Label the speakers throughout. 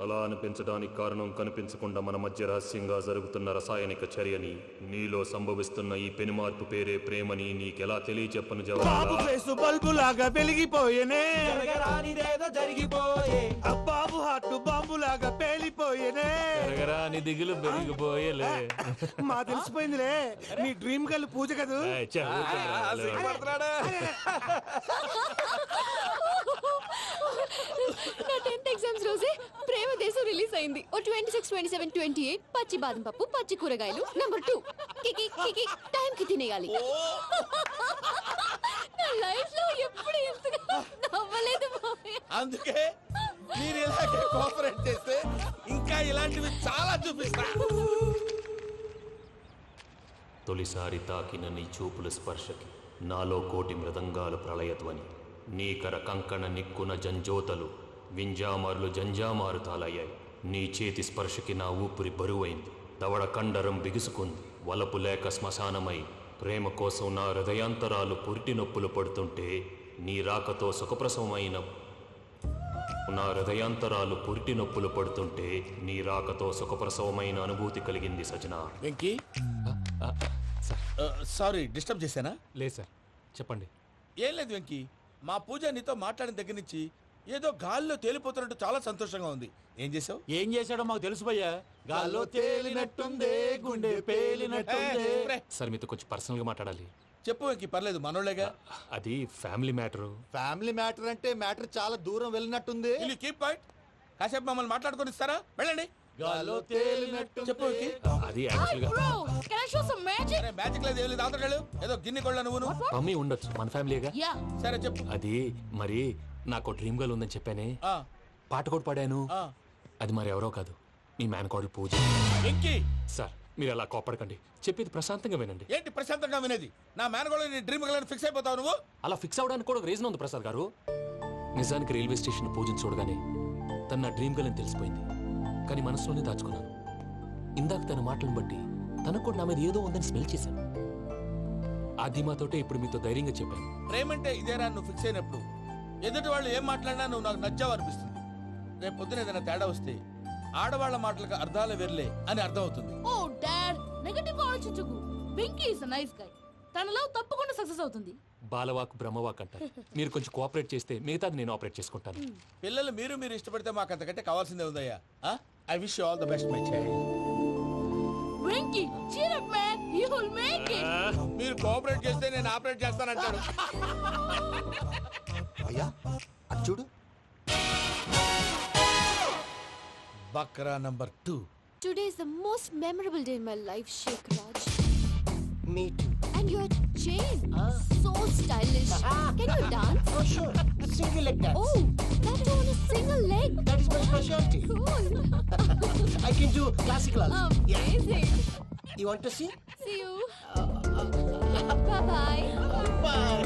Speaker 1: అలా అనిపించడానికి కారణం కనిపించకుండా మన మధ్య రహస్యంగా జరుగుతున్న రసాయనిక చర్యని, నీలో సంభవిస్తున్న ఈ పెనుమార్పు పేరే ప్రేమని నీకెలా తెలియచెప్పను
Speaker 2: బాబు ఫేసు బల్బు లాగా వెలిగిపోయేనే,
Speaker 3: జరిగిపోయే
Speaker 2: బాబు హార్ట్ బాంబు లాగా పేలిపోయేనే.
Speaker 4: నీ దిగులు పెరిగిపోయేలే.
Speaker 2: మా తెలిసిపోయిందిలే, మీ డ్రీమ్ గర్ల్ పూజ కదూ.
Speaker 5: నా 10th ఎగ్జామ్స్ రోజే ప్రేమ దేశం రిలీజ్ అయింది. ఓ 26, 27, 28 పచ్చి బాదం పప్పు, పచ్చి కూరగాయలు. నంబర్ 2 కికి కికి టైం కి తినేయాలి. నా లైఫ్ లో ఎప్పుడు ఇంతగా నవ్వలేదు మామయ్య.
Speaker 3: అందుకే మీరు ఇలాగే కోఆపరేట్ చేస్తే ఇంకా ఇలాంటివి చాలా చూపిస్తా.
Speaker 1: తొలిసారి తాకిన నీ చూపుల స్పర్శకి నాలో కోటి మృదంగాల ప్రళయధ్వని, నీకర కంకణ నిక్కున జంజోతలు వింజామారులు జంజామారు తాలయ్యాయి. నీ చేతి స్పర్శకి నా ఊపిరి బరువైంది, దవడ కండరం బిగుసుకుంది. వలపు లేక శ్మశానమై ప్రేమ కోసం నా హృదయాంతరాలు పురిటి నొప్పులు పడుతుంటే, నీ రాకతో సుఖప్రసవమైన నా హృదయాంతరాలు పురిటి నొప్పులు పడుతుంటే నీ రాకతో సుఖప్రసవమైన అనుభూతి కలిగింది సజనా.
Speaker 3: వెంకీ, సారీ డిస్టర్బ్ చేశానా?
Speaker 4: లేదు సార్, చెప్పండి.
Speaker 3: ఏం లేదు వెంకీ, మా పూజ నీతో మాట్లాడిన దగ్గర నుంచి ఏదో గాల్లో తేలిపోతున్నట్టు చాలా సంతోషంగా ఉంది. ఏం చేసావు?
Speaker 6: ఏం చేశాడో మాకు తెలుసు భయ్యా. గాల్లో తేలినట్టుందే, గుండె పేలినట్టుందే.
Speaker 4: సార్ మీతో కొంచెం పర్సనల్ గా మాట్లాడాలి.
Speaker 3: చెప్పు వెంకీ, పర్లేదు మనోళ్ళేగా.
Speaker 4: అది ఫ్యామిలీ మ్యాటరు.
Speaker 6: ఫ్యామిలీ మ్యాటర్ అంటే మ్యాటర్ చాలా దూరం వెళ్ళినట్టుంది.
Speaker 3: Keep point. కాసేపు మమ్మల్ని మాట్లాడుకొని ఇస్తారా? వెళ్ళండి.
Speaker 6: గాల్లో తేలినట్టు
Speaker 3: చెప్పు వెంకీ.
Speaker 4: అది యాక్చువల్ గా
Speaker 5: Bro, can I show some magic?
Speaker 3: అరే మ్యాజిక్ లేదు, ఏం లేదు, ఆతడాలు ఏదో గిన్నె కొళ్ళ నువ్వు.
Speaker 4: మమ్మీ ఉండొచ్చు, మన ఫ్యామిలీగా.
Speaker 5: Yeah.
Speaker 3: సరే చెప్పు.
Speaker 4: అది మరి నాకు డ్రీమ్ గర్ల్ ఉందని చెప్పానే,
Speaker 3: ఆ,
Speaker 4: పాట కూడా పాడాను.
Speaker 3: ఆ.
Speaker 4: అది మరి ఎవరో కాదు, మీ మేనకోడలు పూజ.
Speaker 3: వెంకీ,
Speaker 4: సార్ మీరు అలా కోపడకండి, చెప్పేది ప్రశాంతంగా వినండి.
Speaker 3: ఏంటి ప్రశాంతంగా వినేది? నా మేనగోళ నీ డ్రీమ్ గర్ల్ ఫిక్స్ అయిపోతావు నువ్వు.
Speaker 4: అలా ఫిక్స్ అవడానికి కూడా ఒక రీజన్ ఉంది ప్రసాద్ గారు. నిజానికి రైల్వే స్టేషన్ పూజను చూడగానే తన నా డ్రీమ్ గర్ల్ అని తెలిసిపోయింది. కానీ మనసులోనే దాచుకున్నాను. ఇందాక తన మాటలను బట్టి తనకు కూడా నా మీద ఏదో ఉందని స్మెల్ చేశాను. ఆ ధీమాతోటే ఇప్పుడు మీతో ధైర్యంగా చెప్పాను.
Speaker 3: ప్రేమంటే ఇదేరా నువ్వు ఫిక్స్ అయినప్పుడు ఎదుటి వాళ్ళు ఏం మాట్లాడినా నువ్వు నాకు నచ్చావు అనిపిస్తుంది. రేపు పొద్దున ఏదైనా తేడా వస్తే ఆడవాళ్ల మాటలకు అర్థాలు వెర్లే అని అర్థం అవుతుంది.
Speaker 7: Oh dad, నెగటివ్ ఆలోచించకు. Venky is a nice guy. తన లవ్ తప్పకుండా సక్సెస్ అవుతుంది.
Speaker 4: బాలవాక్ బ్రహ్మవాక్ అంటారు. మీరు కొంచెం కోఆపరేట్ చేస్తే మిగతాది నేను ఆపరేట్ చేసుకుంటాను.
Speaker 3: పిల్లలు మీరు ఇష్టపడితే మాకు అంతకంటే కావాల్సిందే ఉందయ్యా. I wish you all the best my child.
Speaker 7: Venky, cheer up man, you will make it.
Speaker 3: మీరు కోఆపరేట్ చేస్తే నేను ఆపరేట్ చేస్తానంటాడు.
Speaker 6: అయ్యా అది చూడు.
Speaker 3: బక్రా number 2.
Speaker 5: Today is the most memorable day in my life, Sheikh Raj.
Speaker 8: Me too.
Speaker 5: And your chain, so stylish. Can you dance?
Speaker 8: Oh, sure. Single leg dance.
Speaker 5: Oh, that is on a single leg.
Speaker 8: That is my specialty.
Speaker 5: Cool.
Speaker 8: I can do classical also.
Speaker 5: Amazing.
Speaker 8: You want to see?
Speaker 5: See you. Bye-bye.
Speaker 8: Bye.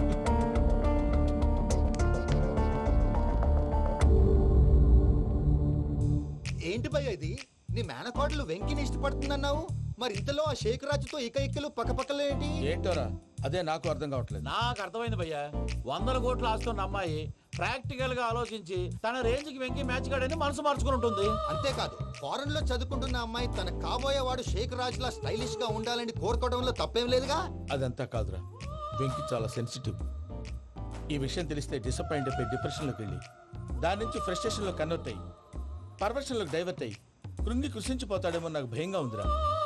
Speaker 6: ఏంటి భయ్య ఇది? నీ మేనకోడలు వెంకిని ఇష్టపడుతుందన్నావు, మరి ఇంతలో ఆ షేక్ రాజుతో ఇకలు పక్కపక్కలు ఏంటి?
Speaker 3: ఏంటోరా, అదే నాకు అర్థం కావట్లేదు.
Speaker 6: నాకు అర్థమైంది భయ్యా. 100 కోట్లు ఆస్తున్న అమ్మాయి ప్రాక్టికల్ గా ఆలోచించి తన రేంజ్ కి వెంకి మ్యాచ్ కాడని మనసు మార్చుకుని ఉంటుంది. అంతేకాదు, ఫారెన్ లో చదువుకుంటున్న అమ్మాయి తన కాబోయే వాడు షేక్ రాజ్ లా స్టైలిష్ గా ఉండాలని కోరుకోవడంలో తప్పేం లేదుగా.
Speaker 3: అదంతా కాదురా, వెంకి చాలా సెన్సిటివ్. ఈ విషయం తెలిస్తే డిసప్పాయింట్ అయిపోయి డిప్రెషన్లోకి వెళ్ళి దాని నుంచి ఫ్రస్ట్రేషన్లో కన్వర్ట్ అయ్యి పర్వర్షన్లోకి డైవర్ట్ అయ్యి కృంగి కృషించిపోతాడేమో నాకు భయంగా ఉందిరా.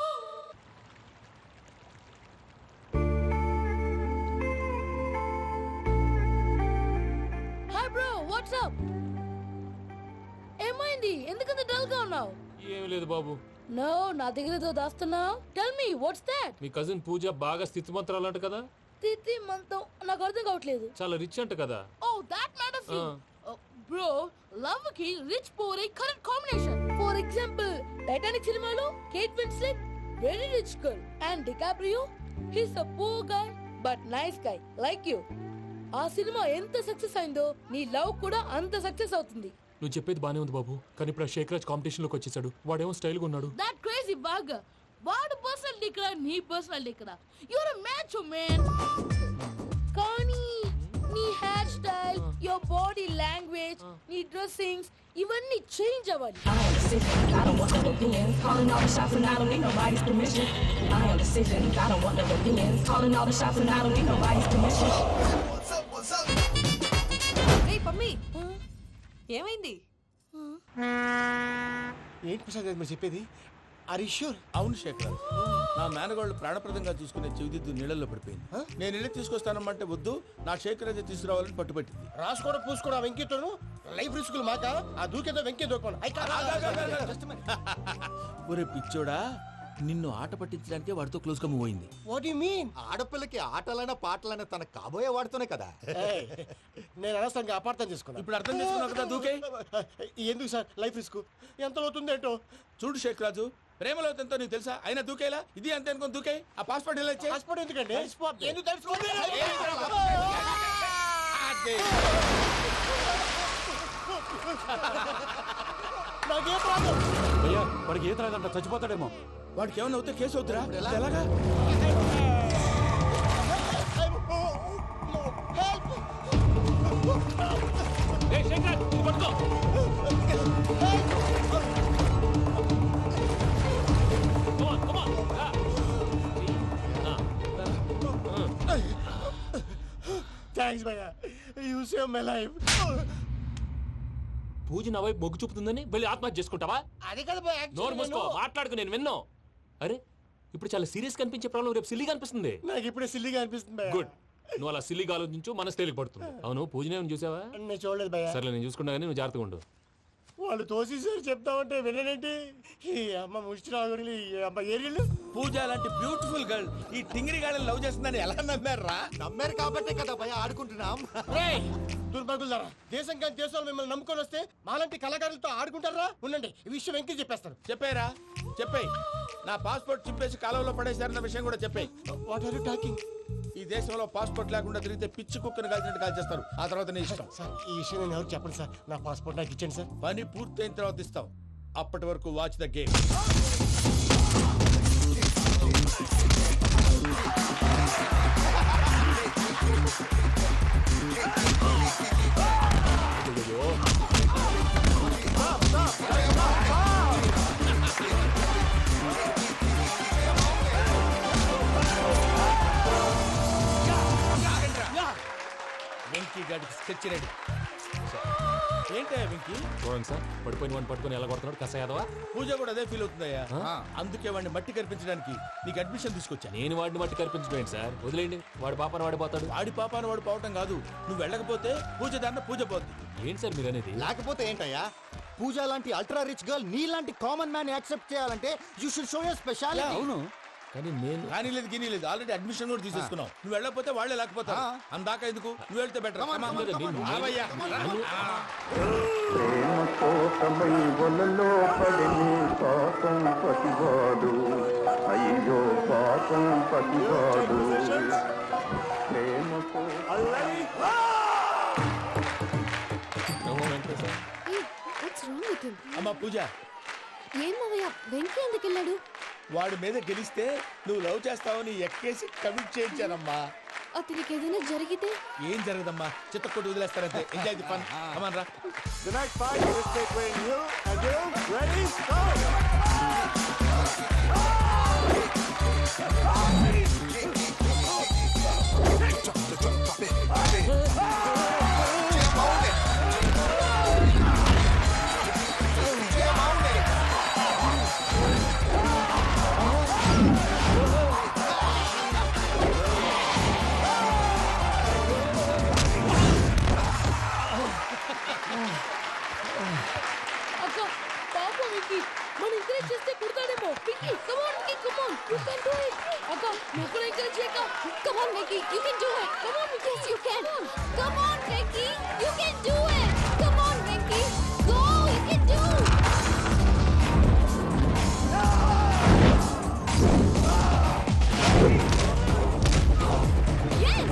Speaker 7: Hi bro, what's up? ఏమైంది? ఎందుకంత డల్ గా ఉన్నావు?
Speaker 4: ఏమీ లేదు బాబు.
Speaker 7: నో, నా దగ్గర ఏదో దాస్తున్నావు. Tell me what's that?
Speaker 4: మీ కజిన్ పూజ బాగా స్థితిమంతరాలు అంట కదా.
Speaker 7: తిత్తి మంతం నాకు అర్థం కావట్లేదు.
Speaker 4: చాలా రిచ్ అంట కదా.
Speaker 7: Oh that matters you. Bro, love కి rich poor a correct combination. For example, Titanic సినిమాలో Kate Winslet very rich girl and DiCaprio he's a poor guy but nice guy like you. ఆ సినిమా ఎంత success అయిందో నీ love కూడా అంత success అవుతుంది.
Speaker 4: నువ్వు చెప్పేది బానే ఉంది బాబు, కానీ ఇప్పుడు షేక్ రాజ్ కాంపిటీషన్ లోకి వచ్చేసాడు. వాడేమో స్టైల్ గా ఉన్నాడు.
Speaker 7: That crazy bag. వాడు పర్సనల్ ఇక్కడ, నీ పర్సనల్ ఇక్కడ. You're a match man. కానీ నీ hair style, your body language నీ డ్రెస్సింగ్స్ ఇవన్నీ చేంజ్ అవ్వాలి.
Speaker 9: I am decision. I don't want no opinions. Calling all the shots and I don't need nobody's permission. I am decision. I don't want no opinions. Calling all the shots and I don't need nobody's permission.
Speaker 5: రేయ్ పమ్మి ఏమైంది?
Speaker 8: ఏంటి ప్రసాద్ గారు మీరు చెప్పేది? Are you sure?
Speaker 3: అవును శేఖర్, నా మేనగాళ్ళు ప్రాణప్రదంగా చూసుకునే చెవిదిద్దు నీళ్ళల్లో పడిపోయింది. నేను ఇల్లు తీసుకొస్తానమ్మంటే వద్దు, నా శేఖర్ అయితే తీసుకురావాలని పట్టుబట్టింది.
Speaker 8: రాసుకోవడం పూసుకోవడం వెంకీతోను లైఫ్ రిస్కులు మాక ఆ దూకేదో వెంకీ దూకోను.
Speaker 3: ఒరే పిచ్చోడా, నిన్ను ఆట పట్టించడానికే వాడితో క్లోజ్ గా మూవ్ అయింది.
Speaker 8: What you mean?
Speaker 6: ఆడపిల్లకి ఆటలైనా పాటలైనా తన కాబోయే వాడుతూనే కదా.
Speaker 8: నేను అనవసరంగా అపార్థం చేసుకున్నా.
Speaker 3: ఇప్పుడు అర్థం చేసుకున్నావు కదా దూకే.
Speaker 8: ఎందుకు సార్ లైఫ్ రిస్క్ ఎంత అవుతుంది ఏంటో?
Speaker 3: చూడు శేఖర్ రాజు, ప్రేమలో ఎంతో నీకు తెలుసా? అయినా దూకేలా ఇది అంతే అనుకుని దూకే. ఆ పాస్పోర్ట్ ఎలా ఇచ్చే?
Speaker 8: పాస్పోర్ట్ ఎందుకండి? ఎందుకు తెలుసుకోండి? నాకేం ప్రాబ్లం?
Speaker 2: అయ్యా వాడికి ఈత రాదంట, చచ్చిపోతాడేమో.
Speaker 3: వాడికి ఏమైనా అవుతే కేసు అవుతురా? ఎలాగా?
Speaker 8: థ్యాంక్స్ భయ్యా, you save my life.
Speaker 4: Pooja నా వైపు మొగ్గు చూపుతుందని వెళ్ళి ఆత్మహత్య చేసుకుంటావా?
Speaker 8: అది కదా భయ్యా,
Speaker 4: నోరు మూసుకో, మాట్లాడుకు, నేను విన్నాను. అరే ఇప్పుడు చాలా సీరియస్ కనిపించే ప్రాబ్లం రేపు సిల్లీగా అనిపిస్తుంది.
Speaker 8: నాకు ఇప్పుడే సిల్లిగా అనిపిస్తుంది భయ్యా.
Speaker 4: గుడ్, నువ్వు అలా సిల్లీగా ఆలోచించు, మనసు తేలిక పడుతుంది. అవును పూజనే చూసావా?
Speaker 8: నేను చూడలేదు భయ్యా.
Speaker 4: సర్లే నేను చూసుకున్నా కానీ నువ్వు జాగ్రత్తగా ఉండు.
Speaker 8: వాళ్ళు తోసేసారు చెప్తామంటే విననేంటి? ఈ అమ్మ ముష్టి రాగుడి అమ్మ ఏరియలు.
Speaker 3: పూజ లాంటి బ్యూటిఫుల్ గర్ల్ ఈ టింగిరి గాళ్ళని లవ్ చేస్తుందని ఎలా నమ్మారా?
Speaker 6: నమ్మారు కాబట్టే కదా భయ ఆడుకుంటున్నాం.
Speaker 8: దుర్భగులారా, దేశం కానీ దేశంలో మిమ్మల్ని నమ్ముకొని వస్తే మాలాంటి కళాకారులతో ఆడుకుంటారా? ఉండండి, ఈ విషయం వెంకీ చెప్పేస్తాను.
Speaker 3: చెప్పారా? చెప్పేయ్. నా పాస్పోర్ట్ చింపేసి కాలువలో పడేశారన్న విషయం కూడా చెప్పేయ్.
Speaker 8: What are you talking?
Speaker 3: ఈ దేశంలో పాస్పోర్ట్ లేకుండా తిరిగితే పిచ్చి కుక్కను కాల్చినట్టు కాల్చేస్తారు. ఆ తర్వాత నీ ఇష్టం.
Speaker 8: సార్ ఈ విషయం నేను ఎవరు చెప్పండి సార్. నా పాస్పోర్ట్ నాకు ఇచ్చండి సార్.
Speaker 3: పని పూర్తయిన తర్వాత ఇస్తాం. అప్పటి వరకు వాచ్ ద గేమ్. వెంకీ గాడికి స్కెచ్ రెడీ. ఏంటయ్యా వెంకీ?
Speaker 4: చూడండి సార్, పడిపోయిన వాడిని పట్టుకొని ఎలా కొడుతున్నాడు కస యాదవా.
Speaker 3: పూజ కూడా అదే ఫీల్ అవుతుందయ్యా. అందుకే వాడిని మట్టి కనిపించడానికి నీకు అడ్మిషన్ తీసుకొచ్చా.
Speaker 4: నేను వాడిని మట్టి కనిపించడం ఏంటి సార్? వదిలేండి, వాడి పాపను వాడిపోతాడు.
Speaker 3: వాడి పాపాను వాడు పోవటం కాదు, నువ్వు వెళ్ళకపోతే పూజ దాన్న పూజ పోద్ది.
Speaker 4: ఏంటి సార్ మీరు అనేది?
Speaker 6: లేకపోతే ఏంటయ్యా, పూజ లాంటి అల్ట్రా రిచ్ గర్ల్ నీ లాంటి కామన్ మ్యాన్ యాక్సెప్ట్ చేయాలంటే you should show your speciality.
Speaker 3: అవును,
Speaker 4: కానీ నేను
Speaker 3: కానీ లేదు గిని లేదు, ఆల్రెడీ అడ్మిషన్ కూడా తీసేసుకున్నావు. నువ్వు వెళ్ళకపోతే వాళ్ళే లేకపోతా. అందాక ఎందుకు, నువ్వు వెళ్తే బెటర్.
Speaker 10: ప్రేమ కోసమై వలలో పడిని పాపం పతివాడు, అయ్యో పాపం పతివాడు. ప్రేమ
Speaker 3: అమ్మా పూజ,
Speaker 5: ఏం మావయ్య, వెంకీ ఎందుకు వెళ్ళాడు?
Speaker 3: వాడి మీద గెలిస్తే నువ్వు లవ్ చేస్తావని ఎక్కేసి కమిట్ చేయించానమ్మా.
Speaker 5: అతనికి ఏదైనా జరిగితే?
Speaker 3: ఏం జరగదమ్మా, చిత్తకొట్టు వదిలేస్తారంతే. Enjoy the fun. కమాన్ రా.
Speaker 2: The next fight is between you and you. Ready? Go!
Speaker 7: అక్క పాప వెంకీ మన ఎంకరేజ్ చేస్తే కుడతాడేమో. Venky come on Venky, come on, you can do it. అక్క నువ్వు కూడా ఎంకరేజ్ చేయక.
Speaker 5: Come on Venki, you can do it. Come on, yes you can. Come on Venki, you can do it. Come on Venki, go, you can do. Yes.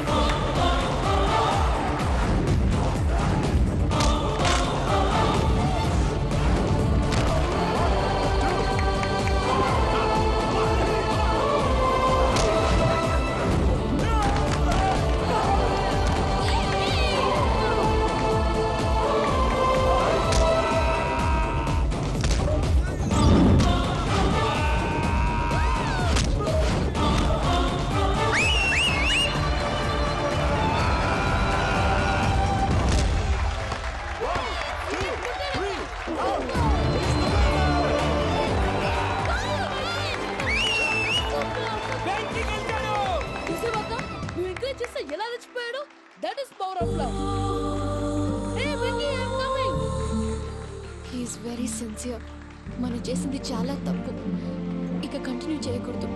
Speaker 5: మనం చేసింది చాలా తప్పు. ఇక continue చేయకూడదు.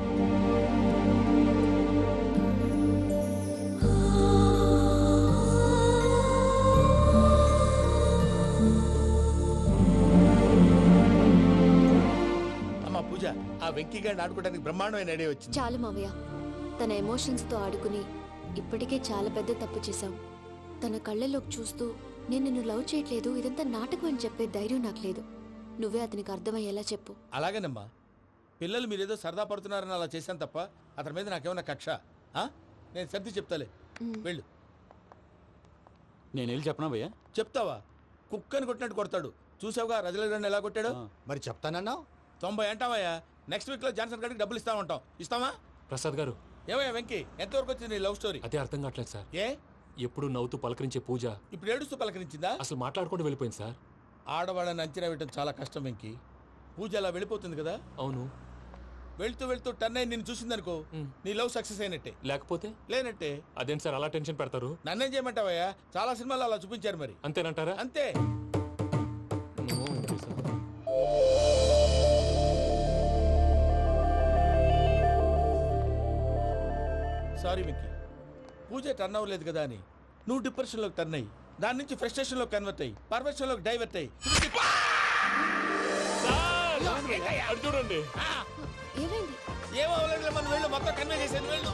Speaker 3: అమ్మా పూజ, ఆ వెంకీ గారిని ఆడుకోవడానికి బ్రహ్మాండమైన ఐడియా వచ్చింది.
Speaker 5: చాలు మావయ్య, తన ఎమోషన్స్తో ఆడుకుని ఇప్పటికే చాలా పెద్ద తప్పు చేశాం. తన కళ్ళలోకి చూస్తూ నేను నిన్ను లవ్ చేయట్లేదు, ఇదంతా నాటకం అని చెప్పే ధైర్యం నాకు లేదు. నువ్వే అతనికి అర్థమయ్యేలా చెప్పు.
Speaker 3: అలాగేనమ్మా, పిల్లలు మీరేదో సరదా పడుతున్నారని అలా చేశాను తప్ప అతని మీద నాకేమన్నా కక్ష? నేను సర్ది చెప్తాలే, వెళ్ళు.
Speaker 6: నేను వెళ్ళి చెప్పనా భయ్యా?
Speaker 3: చెప్తావా? కుక్కని కొట్టినట్టు కొడతాడు. చూసావుగా రజలగడ్డని ఎలా కొట్టాడు?
Speaker 6: మరి చెప్తానన్నావు.
Speaker 3: 90 అంటావయ్యా. నెక్స్ట్ వీక్ లో జాన్సన్ గారికి డబ్బులు ఇస్తామంటాం. ఇస్తావా?
Speaker 4: ప్రసాద్ గారు,
Speaker 3: ఏమయ్యా వెంకీ, ఎంతవరకు వచ్చింది నీ లవ్ స్టోరీ?
Speaker 4: అదే అర్థం కావట్లేదు సార్.
Speaker 3: ఏ
Speaker 4: ఎప్పుడు నవ్వుతూ పలకరించే పూజ
Speaker 3: ఇప్పుడు ఏడుస్తూ పలకరించిందా?
Speaker 4: అసలు మాట్లాడుకుంటూ వెళ్ళిపోయింది సార్.
Speaker 3: ఆడవాళ్ళని అంచనా వేయటం చాలా కష్టం వెంకీ. పూజ అలా వెళ్ళిపోతుంది కదా.
Speaker 4: అవును.
Speaker 3: వెళ్తూ వెళ్తూ టర్న్ అయి నిన్ను చూసిందనుకో, నీ లవ్ సక్సెస్ అయినట్టే.
Speaker 4: లేకపోతే
Speaker 3: లేనట్టే.
Speaker 4: అదేం సార్ అలా టెన్షన్ పెడతారు?
Speaker 3: నన్నేం చేయమంటావయ్యా? చాలా సినిమాలు అలా చూపించారు మరి.
Speaker 4: అంతేనంటారా?
Speaker 3: అంతే. సారీ వెంకీ, పూజ టర్న్ అవ్వలేదు కదా అని నువ్వు డిప్రెషన్ లోకి టర్న్ అయ్యి దాని నుంచి ఫ్రస్ట్రేషన్ లో కన్వర్ట్ అయ్యి పర్వర్షన్ లోకి డైవర్ట్ అయ్యి
Speaker 4: చూడండి.
Speaker 5: ఏమైంది?
Speaker 3: ఏమో అవ్వలేదు, మనం వెళ్ళు, మొత్తం కన్వే చేసేది వెళ్ళు.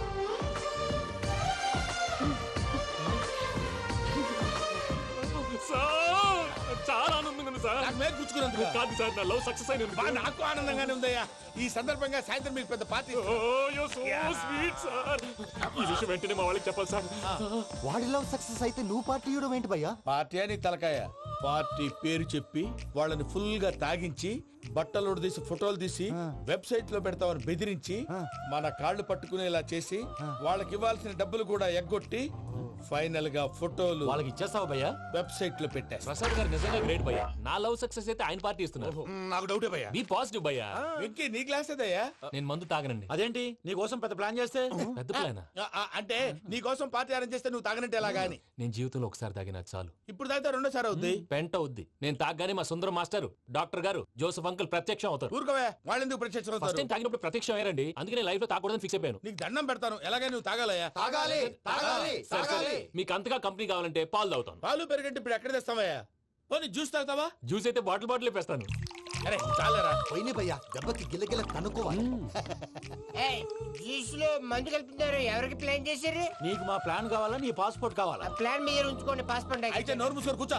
Speaker 4: చాలా ఆనందంగా ఉంది సార్.
Speaker 3: నాకు మేలు గుచ్చుకున్నందుకు
Speaker 4: కాదు సార్, నా లవ్ సక్సెస్ అయినందుకు.
Speaker 3: నాకు ఆనందంగానే ఉందయ్యా. ఈ సందర్భంగా సాయంత్రం మీకు పెద్ద పార్టీ.
Speaker 4: Sweet sir. ఈ విషయం వెంటనే మా వాళ్ళకి చెప్పాలి సార్.
Speaker 6: వాడి లవ్ సక్సెస్ అయితే నువ్వు పార్టీ ఇవ్వడం ఏంటి భయ్యా?
Speaker 3: పార్టీ అని తలకాయ. పార్టీ పేరు చెప్పి వాళ్ళని ఫుల్ గా తాగించి బట్టలు తీసి ఫోటోలు తీసి వెబ్సైట్ లో పెడతామని బెదిరించి మన కాళ్ళు పట్టుకునేలా చేసి వాళ్ళకి ఇవ్వాల్సిన డబ్బులు కూడా ఎగ్గొట్టి ఫైనల్ గా ఫోటోలు
Speaker 6: వాళ్ళకి ఇచ్చేస్తావా భయ్యా?
Speaker 3: వెబ్సైట్ లో పెట్టేస్తా.
Speaker 4: ప్రసాద్ గారు నిజంగా గ్రేట్ భయ్యా. నా లవ్ సక్సెస్ అయితే ఆయన పార్టీ ఇస్తున్నారు.
Speaker 3: నాకు డౌటే భయ్యా.
Speaker 4: బీ పాజిటివ్ భయ్యా.
Speaker 3: వెంకీ నీ గ్లాస్ ఏదయ్యా?
Speaker 4: నేను మందు తాగనండి.
Speaker 6: అదేంటి నీ కోసం పెద్ద ప్లాన్ చేస్తే?
Speaker 4: పెద్ద ప్లానా?
Speaker 3: అంటే నీ కోసం పార్టీ అరేంజ్ చేస్తే నువ్వు తాగనంటే ఎలాగా అని.
Speaker 4: నేను జీవితంలో ఒకసారి తాగినా చాలు.
Speaker 3: ఇప్పుడు తాగితే రెండోసారి అవుద్ది.
Speaker 4: పెంట అవుద్ది. నేను తాగగానే మా సుందరం మాస్టర్, డాక్టర్ గారు, జోసఫ్ అంకుల్ ప్రత్యక్షం అవుతారు.
Speaker 3: ఊరుకోవే, వాళ్ళు ఎందుకు ప్రత్యక్షం
Speaker 4: ఫస్ట్
Speaker 3: అవుతారు?
Speaker 4: టైం తాగినప్పుడు ప్రత్యక్షం అయ్యారండి. అందుకే నేను లైఫ్ లో తాగకూడదని ఫిక్స్ అయిపోయాను.
Speaker 3: నీకు దండం పెడతాను, ఎలాగే నువ్వు తాగాలయ్యా.
Speaker 6: తాగాలి తాగాలి
Speaker 4: సరే సరే, మీకు అంతగా కంపెనీ కావాలంటే పాలు తాగుతాను.
Speaker 3: పాలు పెరిగంటే ఇప్పుడు ఎక్కడ తెస్తావయ్యా? పోనీ జ్యూస్ తాగుతావా?
Speaker 4: జ్యూస్ అయితే బాటిల్ బాటిల్ వేస్తాను.
Speaker 3: అరే చాలరా.
Speaker 6: పోయిన భయ్యా, దెబ్బకి గిల్లగిల్ల కనుక్కోవాలి.
Speaker 2: జ్యూస్ లో మందు కలుపుతున్నారు. ఎవరికి ప్లాన్ చేశారు?
Speaker 6: నీకు మా ప్లాన్ కావాలా? నీ పాస్పోర్ట్ కావాలా?
Speaker 2: ప్లాన్ మీరు ఉంచుకోండి, పాస్పోర్ట్
Speaker 3: అయితే నోరు మూసుకొని కూర్చో.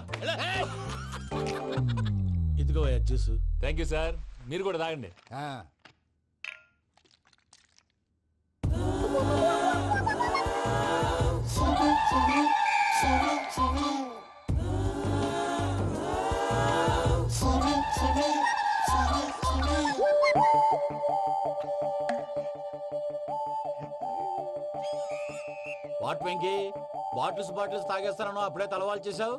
Speaker 3: ఇదిగో జ్యూస్.
Speaker 4: Thank you sir. మీరు కూడా తాగండి.
Speaker 6: వాట్ వెంకీ, బాటిల్స్ తాగేస్తాను అప్పుడే తలవాలు చేసావు.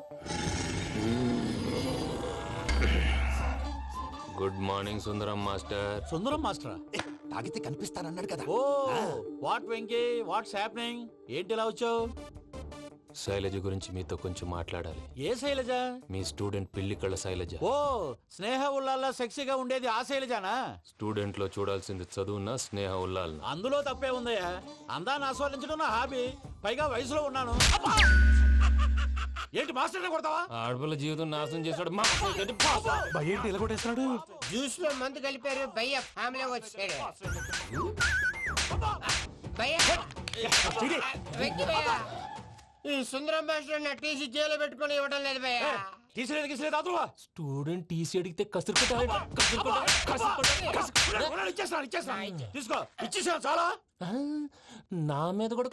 Speaker 1: Good morning Sundaram master.
Speaker 6: Sundaram మాస్టరా?
Speaker 8: తాగితే కనిపిస్తానన్నాడు కదా.
Speaker 6: Oh what Venky, what's happening? ఏంటి ఇలా వచ్చావు?
Speaker 1: శైలజ గురించి మీతో కొంచెం మాట్లాడాలి.
Speaker 6: ఏ శైలజ?
Speaker 1: మీ స్టూడెంట్ పిల్లి కళ్ళ శైలజ.
Speaker 6: ఓ స్నేహ ఉల్లాల్లో సెక్సీగా ఉండేది ఆ శైలజానా?
Speaker 1: స్టూడెంట్ లో చూడాల్సింది చదువునా స్నేహ ఉల్లాల్?
Speaker 6: అందులో తప్పే ఉందయ్యా. అందాన్ని ఆస్వాదించడం నా హాబీ. పైగా వయసులో ఉన్నాను. ఏంటి మాస్టర్ కొడతావా?
Speaker 1: ఆడపిల్ల జీవితం నాశనం చేశాడు.
Speaker 6: ఏంటి ఇలా కొట్టేస్తున్నాడు?
Speaker 2: జ్యూస్ లో మందు కలిపారు. భయ్య ఫ్యామిలీ వచ్చాడు. భయ్య వెంకీ భయ్య, ఈ సుందరం మాస్టర్ నా టీసీ జైలు పెట్టుకుని ఇవ్వడం లేదు భయ్య.
Speaker 6: తీసిలేదు
Speaker 4: స్టూడెంట్ టీసీ అడిగితే కసురు
Speaker 6: తీసుకో, ఇచ్చేసాను చాలా.
Speaker 4: నా మీద కూడా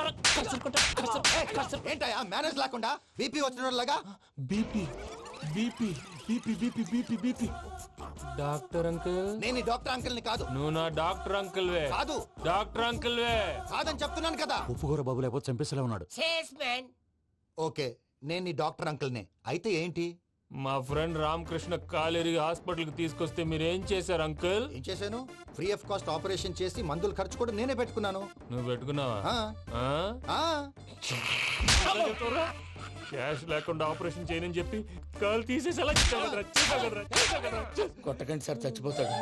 Speaker 8: ఏంటయ్యా మేనేజ్ లేకుండా బీపీ వచ్చిన లాగా?
Speaker 4: BP BP BP BP BP BP. Doctor uncle,
Speaker 8: నేను ఈ డాక్టర్ అంకుల్ ని కాదు.
Speaker 1: నువ్వు నా డాక్టర్ అంకుల్ వే.
Speaker 8: కాదు
Speaker 1: డాక్టర్ అంకుల్ వే.
Speaker 8: కాదని చెప్తున్నాను కదా.
Speaker 6: ఉప్పుకూర బాబు లేకపోతే చంపేసేలా ఉన్నాడు.
Speaker 8: ఓకే, నేను ఈ డాక్టర్ అంకుల్ నే. అయితే ఏంటి?
Speaker 1: మా ఫ్రెండ్ రామకృష్ణ కాలేరి హాస్పిటల్ కి తీసుకొస్తే మీరేం చేశారు అంకుల్?
Speaker 8: ఏం చేశాను? ఫ్రీ ఆఫ్ కాస్ట్ ఆపరేషన్ చేసి మందులు ఖర్చు కూడా నేనే పెట్టుకున్నాను.
Speaker 1: నువ్వు పెట్టుకున్నావా?
Speaker 8: ఆ,
Speaker 1: ఆ?
Speaker 8: ఆ.
Speaker 1: క్యాష్ లేకుండా ఆపరేషన్ చేయనని చెప్పి కాలు తీసేసి అలా
Speaker 3: కొట్టకండి సార్, చచ్చిపోతాడు.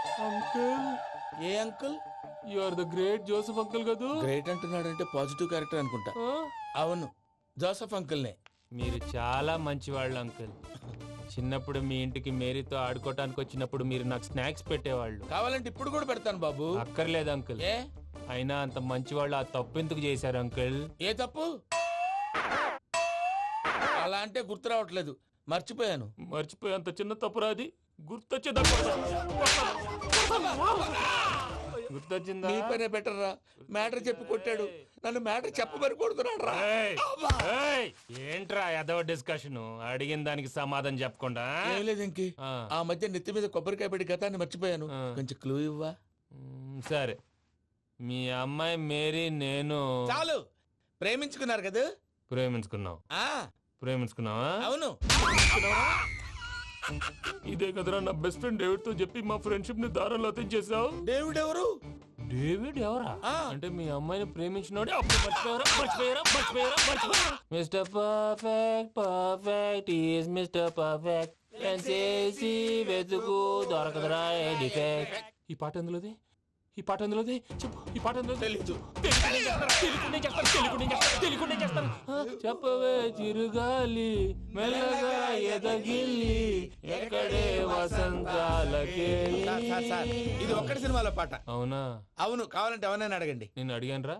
Speaker 3: ఏ uncle?
Speaker 4: You are the great Joseph uncle కదూ.
Speaker 3: గ్రేట్ అంటున్నాడంటే పాజిటివ్ క్యారెక్టర్ అనుకుంటా. అవును, జోసఫ్ అంకుల్నే.
Speaker 1: మీరు చాలా మంచివాళ్ళు అంకుల్. చిన్నప్పుడు మీ ఇంటికి మేరీతో ఆడుకోవటానికి వచ్చినప్పుడు మీరు నాకు స్నాక్స్ పెట్టేవాళ్ళు.
Speaker 3: కావాలంటే ఇప్పుడు కూడా పెడతాను బాబు.
Speaker 1: అక్కర్లేదు అంకుల్.
Speaker 3: ఏ
Speaker 1: అయినా అంత మంచివాళ్ళు ఆ తప్పు ఎందుకు చేశారు అంకుల్?
Speaker 3: ఏ తప్పు? అలా అంటే గుర్తు రావట్లేదు, మర్చిపోయాను.
Speaker 1: మర్చిపోయి అంత చిన్న తప్పురా అది. గుర్తొచ్చిందా?
Speaker 3: నీ పనే బెటర్ రా. మ్యాటర్ చెప్పి కొట్టాడు, నన్ను మ్యాటర్ చెప్పమని కొడుతున్నాడు రా.
Speaker 1: ఏంట్రా ఎదవ డిస్కషన్? అడిగిన దానికి సమాధానం చెప్పకుండా.
Speaker 3: ఏం లేదు ఇంకి, ఆ మధ్య నెత్తి మీద కొబ్బరికాయ పెట్టి గతాన్ని మర్చిపోయాను. కొంచెం క్లూ ఇవ్వా?
Speaker 1: సరే, మీ అమ్మాయి మేరీ నేను
Speaker 3: చాలు. ప్రేమించుకున్నారు కదా?
Speaker 1: ప్రేమించుకున్నావు. ప్రేమించుకున్నావా?
Speaker 3: అవును.
Speaker 1: ఇదే కదరా నా బెస్ట్ ఫ్రెండ్ డేవిడ్ తో చెప్పి మా ఫ్రెండ్షిప్ ని దారంలో తెంచేసావు.
Speaker 3: డేవిడ్ ఎవరు?
Speaker 1: డేవిడ్ ఎవరా? అంటే మీ అమ్మాయిని ప్రేమించినోడే. Mister perfect perfect is mister perfect చేసి వెతుకు దొరకదురా డిఫెక్ట్. ఈ పాట ఎందులోది? ఈ పాట ఎందులోది? చెప్పు. ఈ పాట ఎందులో?
Speaker 3: తెలీదు.
Speaker 1: చెప్పవే చిరుగాలి మెల్లగా ఎదగిల్లి ఎక్కడే వసంతాలకే.
Speaker 3: ఇది ఒక్కటి సినిమాలో పాట.
Speaker 1: అవునా?
Speaker 3: అవును. కావాలంటే ఎవరైనా అడగండి.
Speaker 1: నేను అడిగాను రా.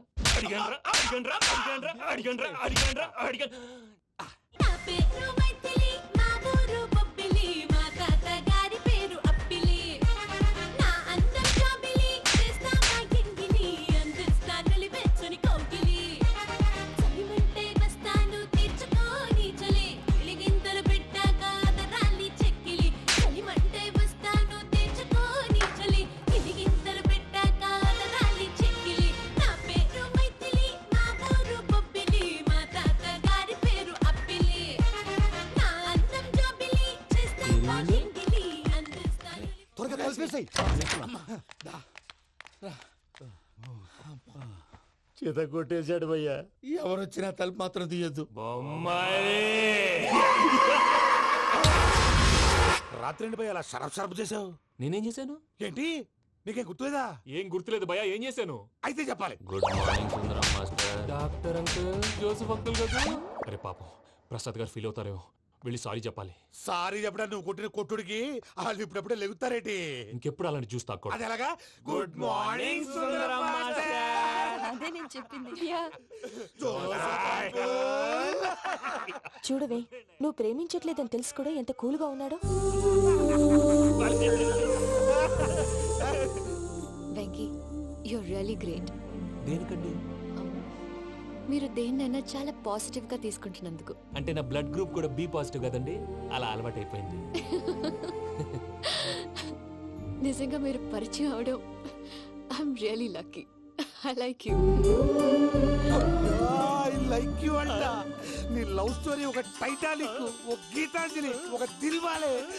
Speaker 8: చేత కొట్టేశాడు భయ్యా.
Speaker 3: ఎవరు వచ్చినా తలుపు మాత్రం తీయద్దు.
Speaker 6: రాత్రి ఎండి భయ్య అలా షరఫ్ చేసావు.
Speaker 1: నేనేం చేశాను?
Speaker 6: ఏంటి నీకేం గుర్తులేదా?
Speaker 4: ఏం గుర్తులేదు భయ్యా, ఏం చేశాను?
Speaker 6: అయితే చెప్పాలి.
Speaker 1: Good morning Sundaram master.
Speaker 4: Doctor uncle, Joseph uncle కదా. అరే పాపం, ప్రసాద్ గారు ఫీల్ అవుతారేమో, వెళ్ళి సారీ చెప్పాలి.
Speaker 6: సారీ చెప్పడా? నువ్వు కొట్టిన కొట్టుడికి వాళ్ళు ఇప్పుడప్పుడే లెగుతారేటి?
Speaker 4: ఇంకెప్పుడు అలాంటి జ్యూస్ తాక్కూడదు.
Speaker 6: అది ఎలాగా? Good morning Sundaram master.
Speaker 5: అదే నేను చెప్పింది.
Speaker 11: చూడవే, నువ్వు ప్రేమించట్లేదని తెలుసు కూడా ఎంత కూల్గా ఉన్నాడో.
Speaker 5: Venky, you're really great.
Speaker 4: దేనికండి?
Speaker 5: మీరు దేన్నైనా చాలా పాజిటివ్ గా తీసుకుంటున్నందుకు.
Speaker 4: అంటే నా బ్లడ్ గ్రూప్ కూడా బి పాజిటివ్ కదండి, అలా అలవాటు అయిపోయింది.
Speaker 5: నిజంగా మీరు పరిచయం అవడం I'm really lucky. I like you.
Speaker 6: I like you అంట. నీ లవ్ స్టోరీ ఒక టైటానిక్, ఒక గీతాంజలి, ఒక దిల్వాలే.